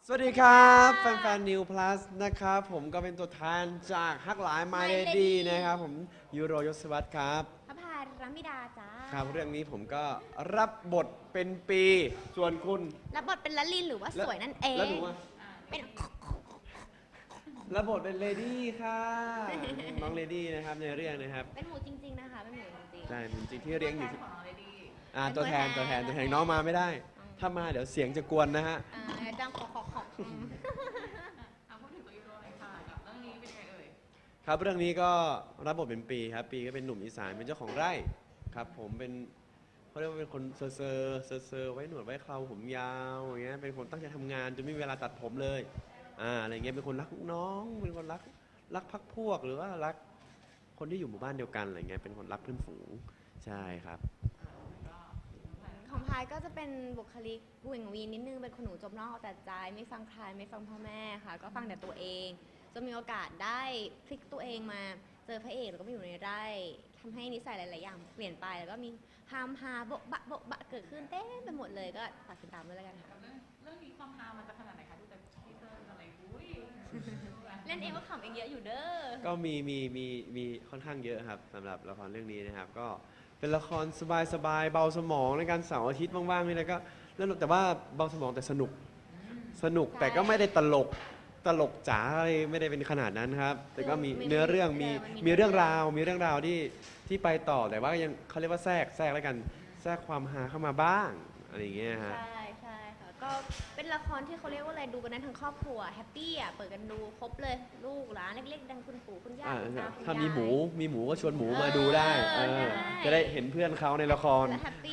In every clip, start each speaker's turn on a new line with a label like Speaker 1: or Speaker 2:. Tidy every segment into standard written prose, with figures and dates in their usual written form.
Speaker 1: สวัสดีครับแฟนๆ New Plus นะครับผมก็เป็นตัวแทนจากฮักหลาย My Lady นะครับผมยูโรยศวัตรครับ
Speaker 2: พระพายรัมิดาจ้า
Speaker 1: ครับเรื่องนี้ผมก็รับบทเป็นปีส่วนคุณ
Speaker 2: รับบทเป็นละลินหรือว่าสวยนั่นเอง
Speaker 1: แล้วหนูอะ
Speaker 2: เป็น
Speaker 1: รับบทเป็นเลดี้ค่ะน้องเลดี้นะครับในเรื่องนะครับ
Speaker 2: เป็นหมูจริงๆนะคะเป็นหมูจริง
Speaker 1: ใช่จริงๆที่เลี้ยงอยู่ที่
Speaker 2: เป็น
Speaker 1: ตัวแทนน้องมาไม่ได้ถ้ามาเดี๋ยวเสียงจะกวนนะฮะ
Speaker 2: จังขอ
Speaker 3: พูดถึงตัวยูโรหน่อยค่ะกับเรื่องนี้เป็นยังไงเอ่ย
Speaker 1: ครับเรื่องนี้ก็รับบทเป็นปีครับปีก็เป็นหนุ่มอีสานเป็นเจ้าของไร่ครับผมเป็นเขาเรียกว่าเป็นคนเซอร์ไว้หนวดไว้เคราผมยาวอย่างเงี้ยเป็นคนตั้งใจทำงานจนไม่มีเวลาตัดผมเลยอะไรเงี้ยเป็นคนรักลูกน้องเป็นคนรักพักพวกหรือว่ารักคนที่อยู่หมู่บ้านเดียวกันอะไรเงี้ยเป็นคนรักเพื่อนฝูงใช่ครับ
Speaker 2: ของพายก็จะเป็นบุคลิกวิ่งวีนนิดนึงเป็นคนหนูจมนอกเอาแต่ใจไม่ฟังใครไม่ฟังพ่อแม่ค่ะก็ฟังแต่ตัวเองจนมีโอกาสได้พลิกตัวเองมาเจอพระเอกแล้วก็มาอยู่ในไร่ทำให้นิสัยหลายๆอย่างเปลี่ยนไปแล้วก็มีฮามฮาโบะบะเกิดขึ้นเต้นไปหมดเลยก็ฝากติดตามด้วยแล้วกันค่ะ
Speaker 3: กับเรื่องนี้ความฮามันจะขนาดไหนคะดูแต่ทีเซอร์อะไรอุ้ย
Speaker 2: เล่นเองก็ขำเองเยอะอยู่เด้อ
Speaker 1: ก็มีค่อนข้างเยอะครับสำหรับละครเรื่องนี้นะครับก็เป็นละครสบายเบาสมองในการเสาร์อาทิตย์ว่างๆนี่แล้วก็แล้วแต่ว่าเบาสมองแต่สนุกแต่ก็ไม่ได้ตลกจ๋าอะไรไม่ได้เป็นขนาดนั้นครับแต่ก็มีเนื้อเรื่องมีเรื่องราวที่ไปต่อแต่ว่ายังเขาเรียกว่าแทรกแล้วกันแทรกความฮาเข้ามาบ้างอะไรอย่างเงี้ยฮะ
Speaker 2: ใช่ค่ะก็เป็นละครที่เขาเรียกว่าอะไรดูกันได้ทั้งครอบครัวแฮปปี้อ่ะเปิดกันดูครบเลยลูกหลานเล็กๆดังคุณปู่คุณย่าคุณตาคุณยาย
Speaker 1: ถ้ามีหมูก็ชวนหมูมาดูได้จะได้เห็นเพื่อนเขาในละคร
Speaker 2: แฮปปี้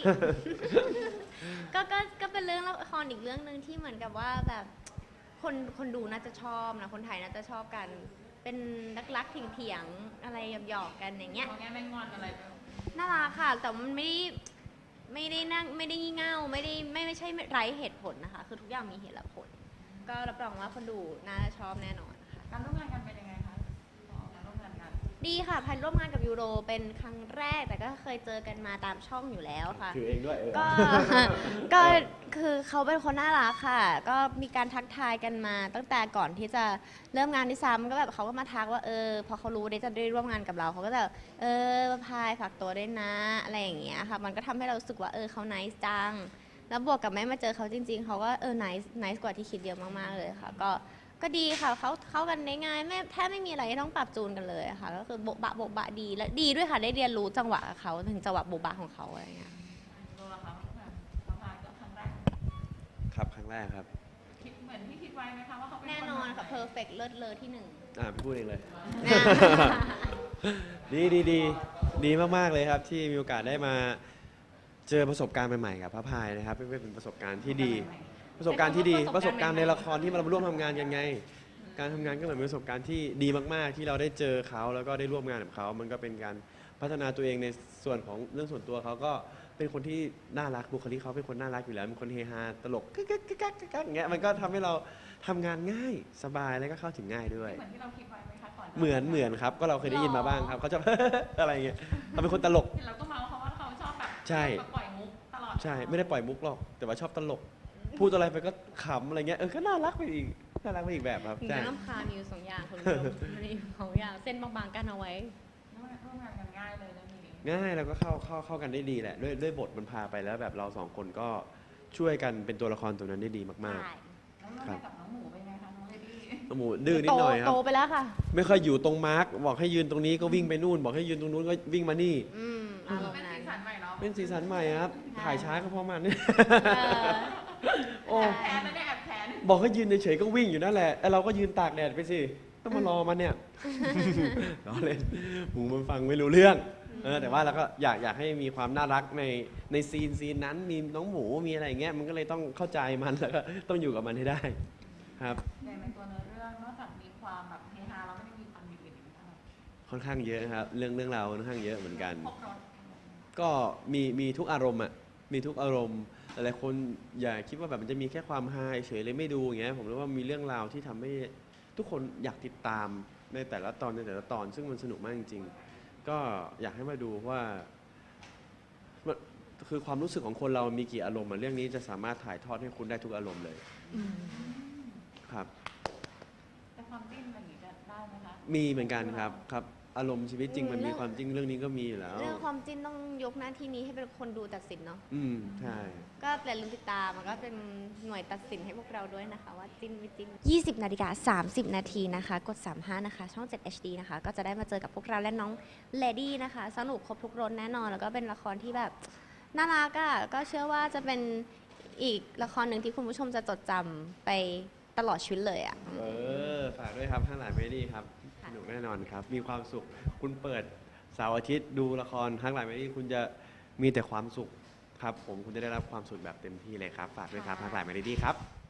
Speaker 2: ก็เป็นเรื่องละครอีกเรื่องหนึ่งที่เหมือนกับว่าแบบคนดูน่าจะชอบนะคนไทยน่าจะชอบกันเป็นรักเถียงอะไรหยอกกันอย่างเงี้ย
Speaker 3: แง่แม่งอนอะไร
Speaker 2: น่ารักค่ะแต่มันไม่ได้นั่งไม่ได้งี่เง่าไม่ใช่ไร้เหตุผลนะคะคือทุกอย่างมีเหตุและผลก็รับรองว่าคนดูน่าจะชอบแน่นอนค่ะ
Speaker 3: การร่วมงานกันเป็นยังไงคะการร่วมงานกัน
Speaker 2: ดีค่ะพันร่วมงานกับยูโรเป็นครั้งแรกแต่ก็เคยเจอกันมาตามช่องอยู่แล้วค่ะ
Speaker 1: ถือเองด้วย
Speaker 2: ก็คือเขาเป็นคนน่ารักค่ะก็มีการทักทายกันมาตั้งแต่ก่อนที่จะเริ่มงานที่ซ้ำก็แบบเขาก็มาทักว่าพอเขารู้ได้จะได้ร่วมงานกับเราเขาก็จะพายฝากตัวด้วยนะอะไรอย่างเงี้ยค่ะมันก็ทำให้เรารู้สึกว่าเขา nice จังแล้วบวกกับแม่มาเจอเขาจริงๆเขาก็nice กว่าที่คิดเยอะมากๆเลยค่ะก็ดีค่ะเขาเข้ากันได้ง่ายแม่แทบไม่มีอะไรที่ต้องปรับจูนกันเลยค่ะก็คือโบะบะดีและดีด้วยค่ะได้เรียนรู้จังหวะกับเขาถึงจังหวะโบบะของเขาอะไรอย่างเงี้ย
Speaker 3: ตัวละคะความฮาก็ครั้งแรก
Speaker 1: ครับครั้งแรกครับ
Speaker 3: คิดเหมือนที่คิดไว้ไหมคะว่าเขาเป็น
Speaker 2: แน่นอนค่ะเพอร์เฟกต์เลิศเลอที่หนึ่ง
Speaker 1: พูดเองเลยดีมากๆเลยครับที่มีโอกาสได้มาเจอประสบการณ์ใหม่ๆกับพระพายนะครับเป็นประสบการณ์ที่ดีประสบการณ์ในละครที่เราร่วมทำงานกันไงการทำงานก็เหมือนเป็นประสบการณ์ที่ดีมากๆที่เราได้เจอเขาแล้วก็ได้ร่วมงานกับเขามันก็เป็นการพัฒนาตัวเองในส่วนของเรื่องส่วนตัวเขาก็เป็นคนที่น่ารักบุคลิกเขาเป็นคนน่ารักอยู่แล้วเป็นคนเฮฮาตลกกักอย่างเงี้ยมันก็ทำให้เราทำงานง่ายสบายแล้วก็เข้าถึงง่ายด้วย
Speaker 3: เหมือนที่เราคิดไว้ไหมคะก่อน
Speaker 1: เหมือนครับก็เราเคยได้ยินมาบ้างครับเขาจะ อะไรเงี้ยเขาเป็นคนตลก
Speaker 3: เราก็เมาเขาว่าเขาชอบแบบ
Speaker 1: ใช่
Speaker 3: ปล่อยมุกตลอด
Speaker 1: ใช่ไม่ได้ปล่อยมุกหรอกแต่ว่าชอบตลกพูดอะไรไปก็ขำอะไรเงี้ยก็น่ารักไปอีกแบบครับ
Speaker 2: ใช่น้ำคามีอยู่สองอย่างคนเดียวมีสองอย่างเส้นบางๆกันเอาไว้
Speaker 3: ร่วมงานกันง่ายเลยนะมี
Speaker 1: ง่ายแล้วก็เข้ากันได้ดีแหละด้วยบทมันพาไปแล้วแบบเราสองคนก็ช่วยกันเป็นตัวละครตัวนั้นได้ดีมาก
Speaker 3: ๆครับกับน้องหมูเป็นไงคะน้องเลดี้
Speaker 1: น้องหมูดื้อนิดหน่อยครับ
Speaker 2: โตไปแล้วค่ะ
Speaker 1: ไม่ค่อยอยู่ตรงมาร์กบอกให้ยืนตรงนี้ก็วิ่งไปนู่นบอกให้ยืนตรงนู้นก็วิ่งมานี่
Speaker 3: เป็นสีสันใหม่เนาะ
Speaker 1: เป็นสีสันใหม่ครับถ่ายช้าก็เพราะมัน
Speaker 3: โอ้แพ้ไม่ได้แอบแพ้
Speaker 1: บอกให้ยืนเฉยๆก็วิ่งอยู่นั่นแหละเราก็ยืนตากแดดไปสิต้องมารอมันเนี่ยล้อเล่นหมูมันฟังไม่รู้เรื่องแต่ว่าเราก็อยากให้มีความน่ารักในซีนนั้นมีน้องหมูมีอะไรอย่างเงี้ยมันก็เลยต้องเข้าใจมันแล้วก็ต้องอยู่กับมันให้ได้ครับ
Speaker 3: ในตัวเนื้อเรื่องนอกจากมีความแบบเฮฮาเราไม่ได้มีความอื่นอีกไหม
Speaker 1: ค่อนข้างเยอะครับเรื่องราวค่อนข้างเยอะเหมือนกันก็มีทุกอารมณ์อ่ะมีทุกอารมณ์หลายคนอย่าคิดว่าแบบมันจะมีแค่ความฮาเฉยเลยไม่ดูอย่างเงี้ยผมรู้ว่ามีเรื่องราวที่ทำให้ทุกคนอยากติดตามในแต่ละตอนซึ่งมันสนุกมากจริงๆก็อยากให้มาดูว่าคือความรู้สึกของคนเรามีกี่อารมณ์เรื่องนี้จะสามารถถ่ายทอดให้คุณได้ทุกอารมณ์เลยครับ
Speaker 3: แต่ความจิ้นอะไรอย่างงี้จะได้ไหมคะ
Speaker 1: มีเหมือนกันครับอารมณ์ชีวิตจริงมัน
Speaker 2: เรื่
Speaker 1: มี
Speaker 2: อง
Speaker 1: ความจริงเรื่องนี้ก็มีอยู่แล้ว
Speaker 2: เรื่องความจิ้นต้องยกหน้าที่นี้ให้เป็นคนดูตัดสินเนาะ
Speaker 1: ใช่
Speaker 2: ก็อย่าลืมติดตามมันก็เป็นหน่วยตัดสินให้พวกเราด้วยนะคะ ว่าจิ้นไม่จิ้น20 นาฬิกา 30 นาทีนะคะ กด 35 นะคะ ช่อง 7 HD นะคะ ก็จะได้มาเจอกับพวกเราและน้องเลดี้นะคะ สนุกครบทุกรสแน่นอน แล้วก็เป็นละครที่แบบน่ารักอ่ะ ก็เชื่อว่าจะเป็นอีกละครหนึ่งที่คุณผู้ชมจะจดจำไปตลอดชีวิตเลยอ่ะ
Speaker 1: ฝากด้วยครับห้างหลายเมดี้ครับ
Speaker 2: ค่ะ
Speaker 1: สนุกแน่นอนครับ มีความสุข คุณเปิดเสาร์อาทิตย์ดูละครห้างหลายเมดี้คุณจะมีแต่ความสุขครับ ผมคุณจะได้รับความสุขแบบเต็มที่เลยครับ ฝากด้วยครับห้างหลายเมดี้ครับ